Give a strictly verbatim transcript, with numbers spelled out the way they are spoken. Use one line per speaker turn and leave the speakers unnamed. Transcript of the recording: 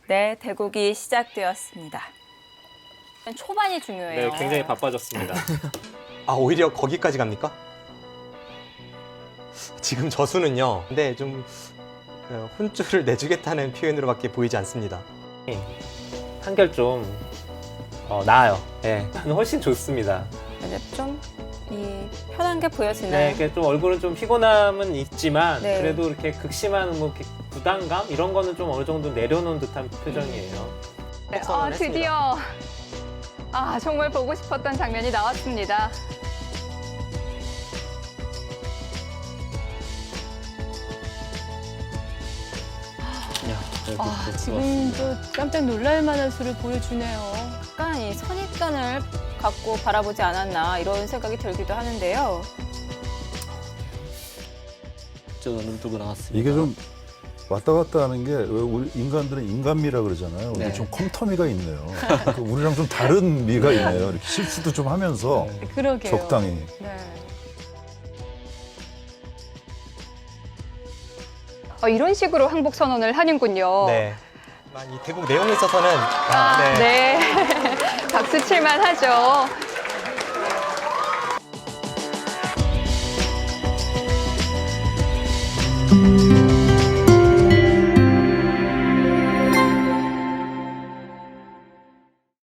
네, 대국이 시작되었습니다. 초반이 중요해요.
네, 굉장히 바빠졌습니다.
아, 오히려 거기까지 갑니까? 지금 저수는요. 근데 좀 그, 혼쭐을 내주겠다는 표현으로밖에 보이지 않습니다.
한결 좀 어, 나아요. 네, 저는 훨씬 좋습니다.
이제 좀 이 편한 게 보여지나요?
네, 이렇게 좀 얼굴은 좀 피곤함은 있지만
네.
그래도 이렇게 극심한 뭐 이렇게 부담감 이런 거는 좀 어느 정도 내려놓은 듯한 표정이에요.
네, 아, 드디어 아 정말 보고 싶었던 장면이 나왔습니다.
아, 지금도 깜짝 놀랄 만한 수를 보여주네요.
약간 이 선입견을 갖고 바라보지 않았나 이런 생각이 들기도 하는데요.
저 눈뜨고 나왔습니다.
이게 좀 왔다 갔다 하는 게 왜 우리 인간들은 인간미라 그러잖아요. 근데
네.
좀 컴터미가 있네요. 그 우리랑 좀 다른 미가 있네요. 이렇게 실수도 좀 하면서
그러게요.
적당히.
네.
어, 이런 식으로 항복 선언을 하는군요.
네. 하지만 이 대국 내용에 있어서는 아,
아, 네. 박수 칠만 하죠.
네.